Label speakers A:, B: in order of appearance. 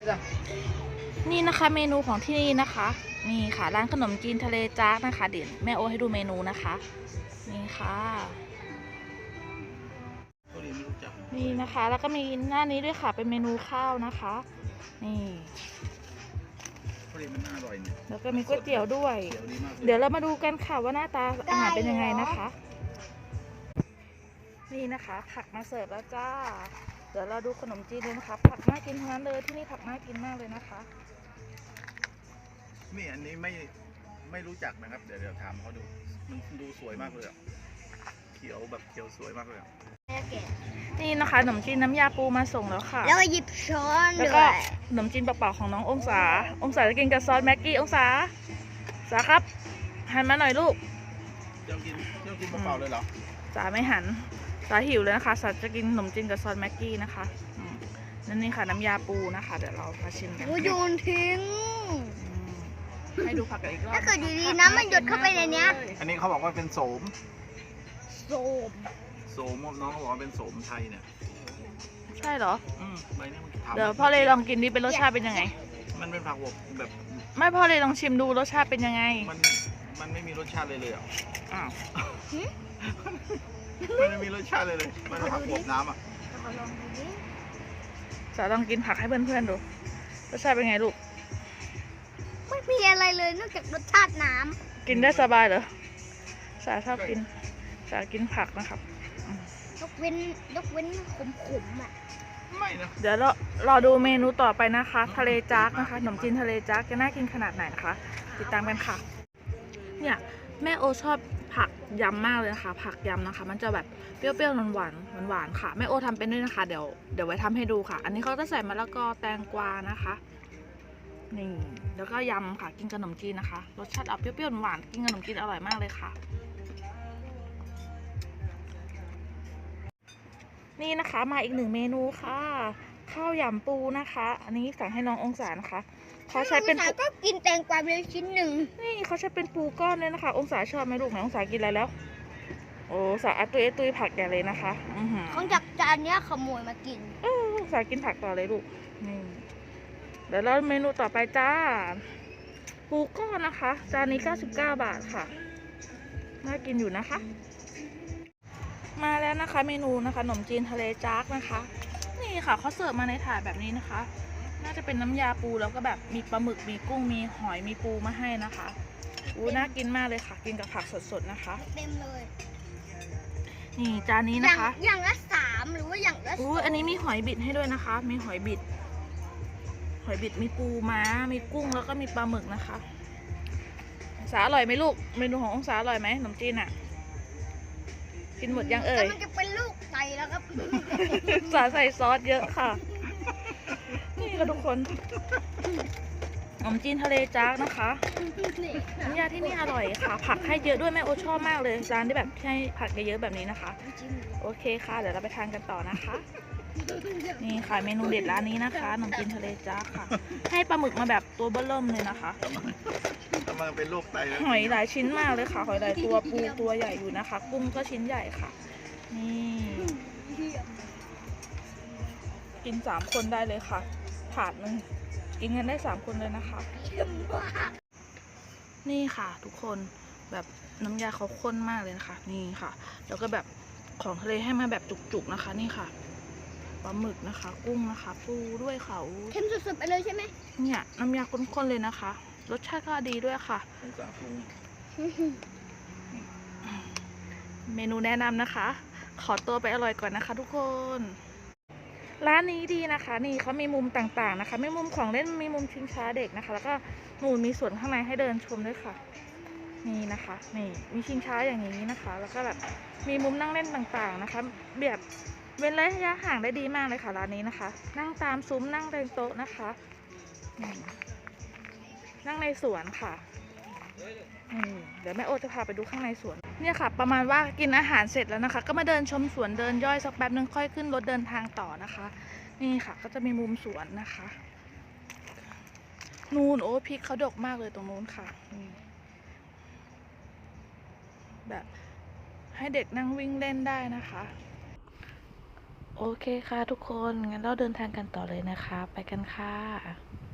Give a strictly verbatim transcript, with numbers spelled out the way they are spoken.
A: นี่นะคะเมนูของที่นี่นะคะนี่ค่ะร้านขนมจีนทะเลจ๊ากนะคะเดี๋ยวแม่โอให้ดูเมนูนะคะนี่ค่ะนี่นะคะแล้วก็มีหน้านี้ด้วยค่ะเป็นเมนูข้าวนะคะนี่แล้วก็มีก๋วยเตี๋ยวด้วยเดี๋ยวเรามาดูกันค่ะว่าหน้าตาอาหารเป็นยังไงนะคะนี่นะคะผักมาเสิร์ฟแล้วจ้าเดี๋ยวเราดูขนมจีนเลยนะคะผักน่ากินทั้งนั้นเลยที่นี่ผักน่ากินมากเลยนะคะ
B: นี่อันนี้ไม่ไม่รู้จักนะครับเดี๋ยวเดี๋ยวถามเขาดูมันดูสวยมากเลยเขียวแบบเขียวสวยมากเลย
A: นี่นะคะขนมจีนน้ำยาปูมาส่งแล้วค่ะ
C: แล้วก็หยิบช้อน
A: แล้วก็ขนมจีนเปล่าๆของน้ององศาองศาจะกินกับซอสแม็กกี้องศาสาครับหันมาหน่อยลูก
B: เจ้ากินเจ้ากินเปล่าๆเลยเหรอ
A: สาไม่หันสาหิวเลยนะคะสาจะกินขนมจีนกับซอสแม็กกี้นะคะนั่นนี่ค่ะน้ำยาปูนะคะเดี๋ยวเรามาชิมกัน
C: โยนทิ้ง
A: ให้ดูผักกันอีกรอบ
C: ถ้าเกิดดีๆน้ำมันหยดเข้าไปในนี้
B: อันนี้เขาบอกว่าเป็นโสม
C: โสม
B: โสมน้องเขาบอกว่าเป็นโสมไทยเนี่ย
A: ใช่เหรอ
B: อืมใบนี้มัน
A: เดี๋ยวพ่อเลยลองกินดิเป็นรสชาติเป็นยังไง
B: มันเป็นผักบวบแบบ
A: ไม่พ่อเลยลองชิมดูรสชาติเป็นยังไง
B: มันมันไม่มีรสชาติเลยเลยอ่ะ
A: อ้าว
B: มันไม่มีรสชาติเลยเลยมันเป็นผักบวบน้ำอ่ะ
A: สาลองกินผักให้เพื่อนๆดูรสชาติเป็นไงลูก
C: ไม่มีอะไรเลยนอกจากรสชาติน้
A: ำกินได้สบายเหรอสาชอบกินสากินผักนะครับ
C: ยกเว้นยกเว้นขมๆอ่ะ
B: ไม่นะ
A: เดี๋ยวเรารอดูเมนูต่อไปนะคะทะเลจ๊ากนะคะขนมจีนทะเลจ๊ากจะน่ากินขนาดไหนนะคะติดตามกันค่ะเนี่ยแม่โอชอบผักยำมากเลยนะคะผักยำนะคะมันจะแบบเปรี้ยวๆหวานๆหวานๆค่ะแม่โอทำเป็นด้วยนะคะเดี๋ยวเดี๋ยวไว้ทำให้ดูค่ะอันนี้เขาจะใส่มะละกอแตงกวานะคะนี่แล้วก็ยำค่ะกินขนมจีนนะคะรสชาติออกเปรี้ยวๆหวานกินขนมจีนอร่อยมากเลยค่ะนี่นะคะมาอีกหนึ่งเมนูค่ะข้าวยำปูนะคะอันนี้สั่งให้น้ององศานะคะเขาใช้เป็น
C: ก็กินแตงกวาเลยชิ้นหนึ่ง
A: นี่เขาใช้เป็นปูก้อนเลยนะคะองศาชอบไหมลูกไหนองศากินอะไรแล้วโอ้สาอัตุยตุยผักใหญ่เลยนะคะ
C: ของจากจานเนี้ยขโมยมากิน
A: เออองศากินผักต่อเลยลูกนี่เดี๋ยวเราเมนูต่อไปจ้าปูก้อนนะคะจานนี้เก้าสิบเก้าบาทค่ะน่ากินอยู่นะคะมาแล้วนะคะเมนูนะคะขนมจีนทะเลจ๊ากนะคะนี่ค่ะเขาเสิร์ฟมาในถาดแบบนี้นะคะน่าจะเป็นน้ำยาปูแล้วก็แบบมีปลาหมึกมีกุ้งมีหอยมีปูมาให้นะคะอู้น่ากินมากเลยค่ะกินกับผักสดๆนะคะ
C: เต็มเลย
A: นี่จานนี้นะคะ
C: อย่างละสามหรือว่าอย่างละ
A: อู้อันนี้มีหอยบิดให้ด้วยนะคะมีหอยบิดหอยบิดมีปูม้ามีกุ้งแล้วก็มีปลาหมึกนะคะองศาอร่อยไหมลูกเมนูขององศาอร่อยไหมขนมจีนอ่ะกินหมดยังเอ่ย
C: มันจะเป็นลูกไก่แล้วครับ
A: สาใส่ซอสเยอะค่ะนี่ค่ะทุกคนขนมจีนทะเลจ๊ากนะคะน้ำยาที่นี่อร่อยค่ะผักให้เยอะด้วยแม่โอชอบมากเลยจานที่แบบให้ผักเยอะๆแบบนี้นะคะโอเคค่ะเดี๋ยวเราไปทานกันต่อนะคะนี่ค่ะเมนูเด็ดร้านนี้นะคะขนมจีนทะเลจ๊ากค่ะให้ปลาหมึกมาแบบตัวเบ้อเริ่มเลยนะคะ
B: กำลังเป็นโรคไต
A: หอยหลายชิ้นมากเลยค่ะหอยหลายตัวปูตัวใหญ่อยู่นะคะกุ้งก็ชิ้นใหญ่ค่ะนี่กินสามคนได้เลยค่ะถาดนึงกินกันได้สามคนเลยนะคะนี่ค่ะทุกคนแบบน้ำยาเขาข้นมากเลยนะคะนี่ค่ะแล้วก็แบบของทะเลให้มาแบบจุกๆนะคะนี่ค่ะปลาหมึกนะคะกุ้งนะคะปูด้วยค่ะ
C: เค็มสุดๆไปเลยใช่ไหม
A: เนี่ยน้ำยาข้นๆเลยนะคะรสชาติก็ดีด้วยค่ะเมนูแนะนำนะคะขอตัวไปอร่อยก่อนนะคะทุกคนร้านนี้ดีนะคะนี่เขามีมุมต่างๆนะคะมีมุมของเล่นมีมุมชิงช้าเด็กนะคะแล้วก็มุมมีส่วนข้างในให้เดินชมด้วยค่ะนี่นะคะนี่มีชิงช้าอย่างนี้นะคะแล้วก็แบบมีมุมนั่งเล่นต่างๆนะคะแบบเว้นระยะห่างได้ดีมากเลยค่ะร้านนี้นะคะนั่งตามซุ้มนั่งเรียงโต๊ะนะคะนั่งในสวนค่ะเดี๋ยวแม่โอจะพาไปดูข้างในสวนเนี่ยค่ะประมาณว่ากินอาหารเสร็จแล้วนะคะก็มาเดินชมสวนเดินย่อยสักแป๊บนึงค่อยขึ้นรถเดินทางต่อนะคะนี่ค่ะก็จะมีมุมสวนนะคะนูนโอ้พริกเขาดกมากเลยตรงนู้นค่ะแบบให้เด็กนั่งวิ่งเล่นได้นะคะโอเคค่ะทุกคน งั้นเราเดินทางกันต่อเลยนะคะ ไปกันค่ะ